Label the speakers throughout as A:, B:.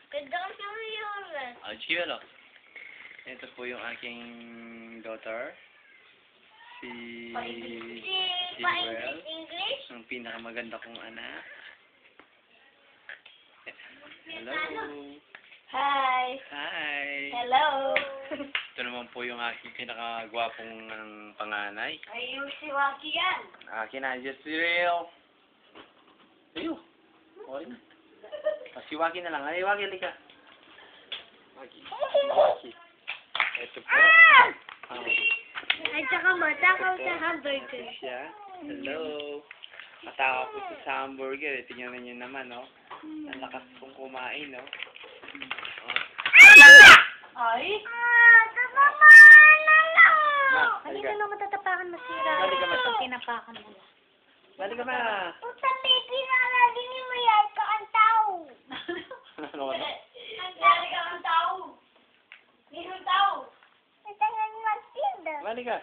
A: Ganda ka sa mayoran.
B: Chivelo. Ito po yung aking daughter. Si Well.
A: English?
B: Ang pinakamaganda kong anak. Hello.
A: Hi.
B: Hi.
A: Hello.
B: Ito naman po yung aking pinakagwapong panganay.
A: Ayun si Waki yan.
B: Akin na, just real. Ayun. Okay na. Si Waki na lang. Ay, Waki, halika. Waki. Waki. Ito po.
A: At saka matakaw sa hamburger.
B: Siya. Hello. Matakaw po sa hamburger. Tingnan niyo naman, no? Ang lakas kong kumain, no?
A: Ay?
B: Halika.
A: Halika na matatapakan masira.
B: Halika, mata.
A: Tinapakan mo na.
B: Balik ka ba?
A: Puta, baby, nalagin mo yan ka ang tao.
B: Ano ka na?
A: Nalagin ka ang tao. Nilong tao. Matangan magtinda.
B: Balik ka.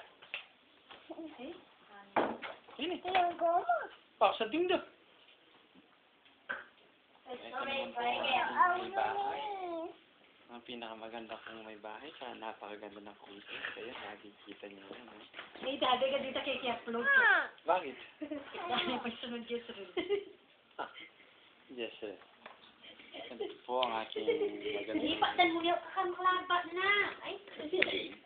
B: Sini.
A: Yung goma.
B: Pak sa tinda.
A: Sorry,
B: May bahay. Ang pinakamaganda kong may bahay. Kaya napakaganda ng kulto. Kaya nakikita niyo yan. No?
A: May dati ka dito kay Keplo.
B: Bakit?
A: Dahil pagsunod yes rin.
B: Yes, sir. Ito po ang aking maganda.
A: Hindi pa, dan mo yung kakamaklabat na. Ay,